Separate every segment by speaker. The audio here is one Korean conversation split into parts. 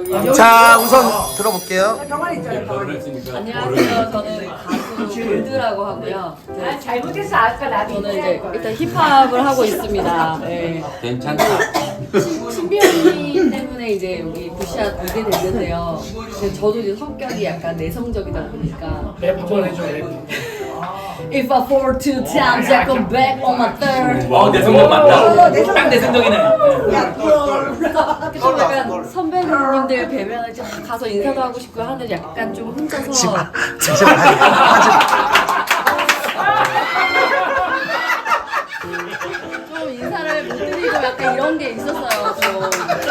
Speaker 1: 자, 우선 들어볼게요.
Speaker 2: 안녕하세요. 저는 가수 골드라고 하고요.
Speaker 3: 잘못했어. 아까 나도
Speaker 2: 저는 이제 일단 힙합을 하고 있습니다. 네.
Speaker 4: 괜찮다.
Speaker 2: 신비 언니 때문에 이제 여기 부시아 오게 됐는데요. 근데 저도 이제 성격이 약간 내성적이다 보니까
Speaker 5: 랩 한번 해줘.
Speaker 2: If I fall two times, I come back on my third.
Speaker 4: 내 성격 맞다. 딱 내 성격이네.
Speaker 2: 좀 약간 선배님들 뵈면 이제 가서 인사도 하고 싶고 하는데 약간 좀 혼자서
Speaker 1: 잠시만, 하지 마.
Speaker 2: 좀 인사를 못 드리고 약간 이런 게 있었어요. 좀.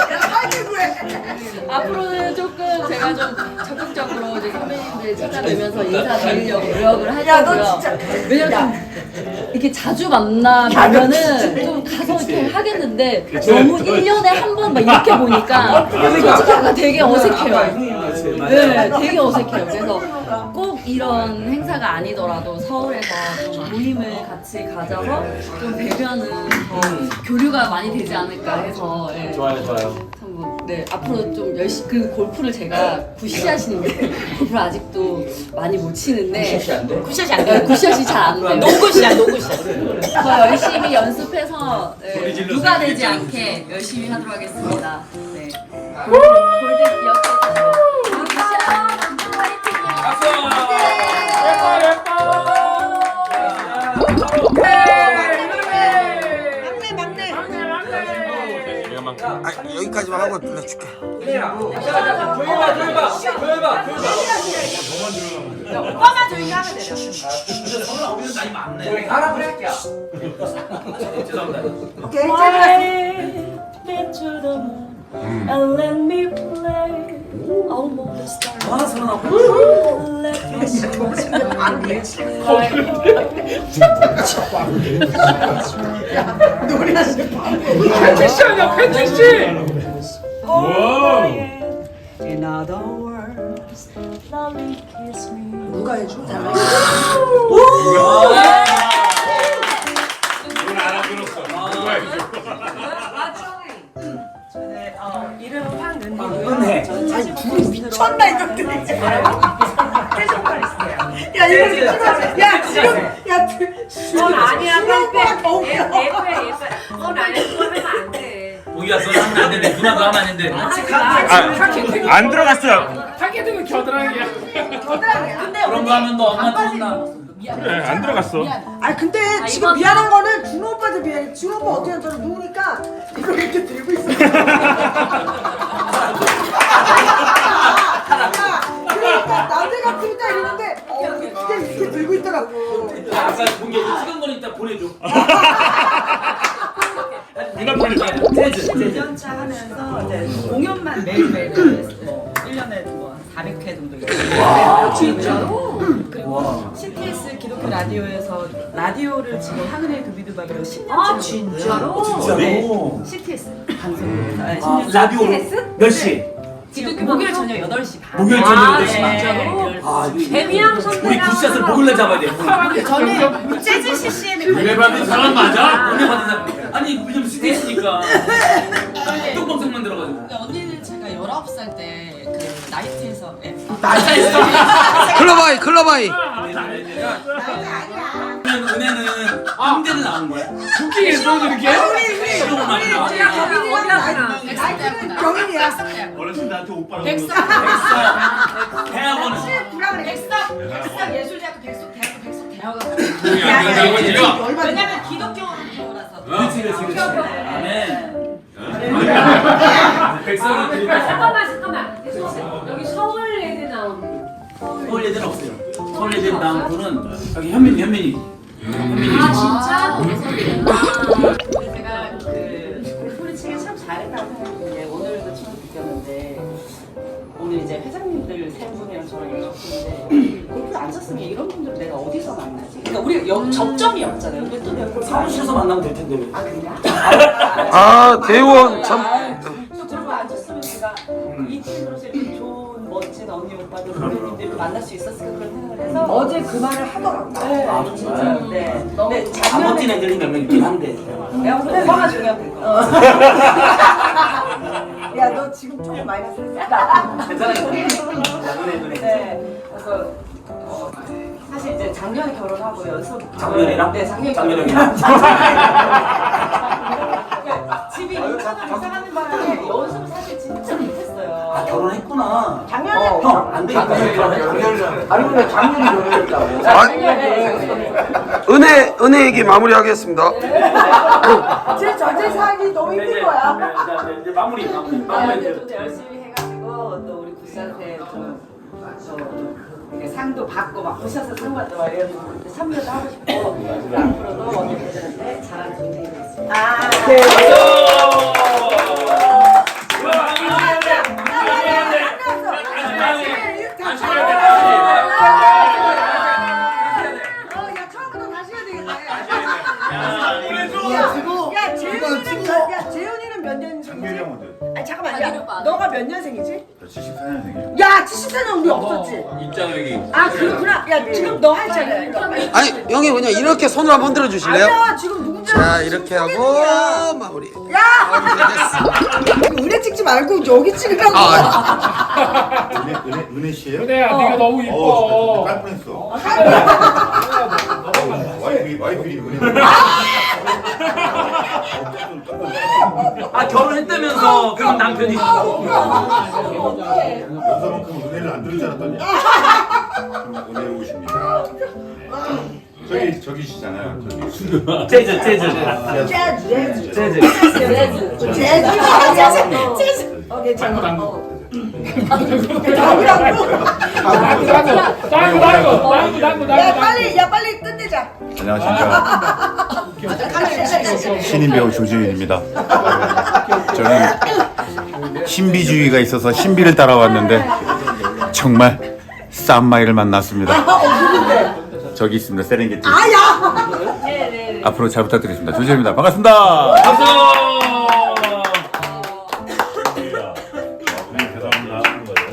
Speaker 2: 앞으로는 조금 제가 좀 적극적으로 이제 선배님들 찾아뵈면서 인사드리려고 노력을 할 거고요. 왜냐면 이렇게 자주 만나면은 좀 가서 이렇게 하겠는데 너무 1년에 한 번 막 이렇게 보니까 솔직히 약간 되게 어색해요. 네, 되게 어색해요. 그래서 꼭 이런 행사가 아니더라도 서울에서 좀 모임을 같이 가져서 좀 뵈면은 더 교류가 많이 되지 않을까 해서 네.
Speaker 4: 좋아요.
Speaker 2: 한번 네 앞으로 좀 열심히 그 골프를 제가 굿샷이는데 골프를 아직도 많이 못 치는데
Speaker 4: 굿샷이 안 돼?
Speaker 2: 굿샷이 안 돼요. 굿샷이 잘 안 돼요. 노굿샷. 더 열심히 연습해서 네, 누가 되지 않게 열심히 하도록 하겠습니다. 네. 골드 기억해 주시고 굿샷 화이팅요.
Speaker 1: 아, 여기까지만 하고 줄게.
Speaker 3: 오빠만 조용히 하면 돼요.
Speaker 2: And let me play almost
Speaker 5: 팬티씨 아니야, 팬티씨!
Speaker 2: In other words, lovely kiss me.
Speaker 3: 누가 해줘?
Speaker 6: 이름은 황은혜고요.
Speaker 3: 아니 둘이 미쳤나 이것들이. 야 이거 미쳤어. 야 지금
Speaker 6: 넌 아니야,
Speaker 3: 오빠가 더 웃겨.
Speaker 6: 예뻐. 넌 아니야, 그거 하면 안 돼.
Speaker 4: 우리가 써 하면 안 되는데 누나도 하면 안 되는데.
Speaker 7: 안 들어갔어요.
Speaker 5: 타겟은 겨드랑이야.
Speaker 4: 그런 거 하면 너 엄마한테 혼나.
Speaker 7: 네, 안 들어갔어.
Speaker 3: 아니 근데 지금
Speaker 2: 이건-
Speaker 3: 미안한 거는 준호 오빠한테 미안해. 준호 오빠 어떻게 저를 누우니까 이걸 이렇게 들고 있어. 그러니까 남자 같으면 딱 이러는데 이렇게 들고 있더라고.
Speaker 4: 아까 본게 찍은 거는 이따 보내줘.
Speaker 7: 눈앞에
Speaker 6: 2년차 하면서 이제 공연만 매일매일 뭐 1년에 뭐 400회 정도 있어요. 진짜로? 그리고 CTS 기독교 라디오에서 라디오를 지금 황은혜 두비두밥이라고 10년째
Speaker 4: 진짜로?
Speaker 6: 네. CTS 방송국에서 네, 10년째.
Speaker 4: 라디오로 몇 시?
Speaker 6: 기독교 목요일 저녁 8시 반.
Speaker 4: 목요일 저녁 8시 반.
Speaker 6: 진짜로?
Speaker 2: 데뷔한
Speaker 4: 우리 굿샷을 목요일날 잡아야 돼.
Speaker 6: 저는 재즈 CCM에
Speaker 4: 은혜 받은 사람 맞아? 은혜 받은 사람. 아니 요즘 스트레스니까 똥방송만 들어가지고.
Speaker 6: 언니는 제가 19살 때 그 나이트에서
Speaker 1: 클럽아이.
Speaker 4: 그러면 은혜는 홍대는 나온 거야?
Speaker 5: 쿠킹에서 저렇게?
Speaker 4: 실험을 많이 나와.
Speaker 3: 경인이야.
Speaker 7: 어르신들한테 오빠라고.
Speaker 4: 대학원은
Speaker 6: 예술대학교 백석 대학원.
Speaker 4: 왜냐면
Speaker 6: 기독교라서.
Speaker 4: 그렇지. 아멘. 백성이 드리다.
Speaker 3: 잠깐만. 여기 서울 애들 나온.
Speaker 4: 서울 애들은 없어요. 서울 애들 나온 분은 여기 현민이.
Speaker 6: 아 진짜? 근데 제가 그 골프를 치기 참 잘했다고 생각했는데 오늘도 처음 느꼈는데 오늘 이제 회장님들 세 분이랑 저랑 얘기했는데 골프를 안 쳤으면 이런 분들을 내가 어디서 만나지? 그러니까 우리 접점이 없잖아요. 근데 또 내가 골프
Speaker 4: 사무실에서 만나면 될 텐데 왜?
Speaker 6: 아 그래요?
Speaker 1: 아, 대우원 참.
Speaker 6: 또 골프 안 쳤으면 제가 이 팀으로서 이렇게 좋은 멋진 언니 오빠들 선배님들을 만날 수 있었을까 그런 생각을 해서
Speaker 3: 어제 그 말을 하더라고.
Speaker 6: 네,
Speaker 4: 아,
Speaker 6: 진짜.
Speaker 4: 정말?
Speaker 6: 네.
Speaker 4: 안 멋진 애들이 몇 명 있긴 한데.
Speaker 6: 내가 오빠가 중요한 거.
Speaker 3: 야, 너 지금 조금 마이너스 했어.
Speaker 6: 괜찮아요. 네. 그래서 사실 이제 작년에 결혼하고 연습
Speaker 4: 작년이랑?
Speaker 6: 네, 작년에
Speaker 4: 작년이랑?
Speaker 6: 그러니까 집이 인천으로 이사 가는 바람에 연습을 사실 진짜 못했어요.
Speaker 4: 아 결혼했구나.
Speaker 3: 작년에
Speaker 4: 형 안 되겠다.
Speaker 5: 아니 근데 작년이 결혼했다고.
Speaker 1: 은혜에게 마무리하겠습니다.
Speaker 3: 제 전체 사기 너무 힘든 거야.
Speaker 4: 이제 마무리.
Speaker 6: 네, 좀 열심히 해가지고 또 우리 구씨한테 좀 이렇게 상도 받고 막 구씨한테 상 받고 막 이런 참여도 하고 싶고 앞으로도 언니들한테 잘하는 준비 되겠습니다.
Speaker 3: 아, 네. 야, 처음부터 다시 해야 되겠네. 야, 재훈이는 몇 년생이지? 아니, 잠깐만, 야, 너가 몇 년생이지?
Speaker 8: 74년생이에요.
Speaker 3: 야, 74년 우리 없었지?
Speaker 4: 입장력이.
Speaker 3: 아, 그렇구나. 야, 지금 너 했잖아. 이거.
Speaker 1: 아니 형이 그냥 이렇게 손을 한번 들어 주실래요?
Speaker 3: 아니야, 지금 누군지
Speaker 1: 자 이렇게 하고 마무리.
Speaker 3: 야! 은혜 찍지 말고 여기 찍으라고.
Speaker 8: 은혜 씨예요?
Speaker 5: 은혜야 네가 너무 이뻐.
Speaker 8: 깔 뻔했어. 와이프 은혜.
Speaker 4: 아 결혼했다면서 그럼 남편이.
Speaker 8: 여자만큼 은혜를 안 들을 줄 알았더니 정말 은혜로우십니다. 저기시잖아요. 저기.
Speaker 4: 재즈.
Speaker 3: 재즈.
Speaker 4: 재즈.
Speaker 3: 재즈. 괜찮아. 야, 빨리 끝내자.
Speaker 8: 안녕하십니까. 신인 배우 조지윤입니다. 저는 신비주의가 있어서 신비를 따라왔는데 정말 쌈마이를 만났습니다. 저기 있습니다. 세렝게티.
Speaker 3: 아야!
Speaker 8: 앞으로 잘 부탁드리겠습니다. 조지윤입니다. 반갑습니다.
Speaker 4: 박수.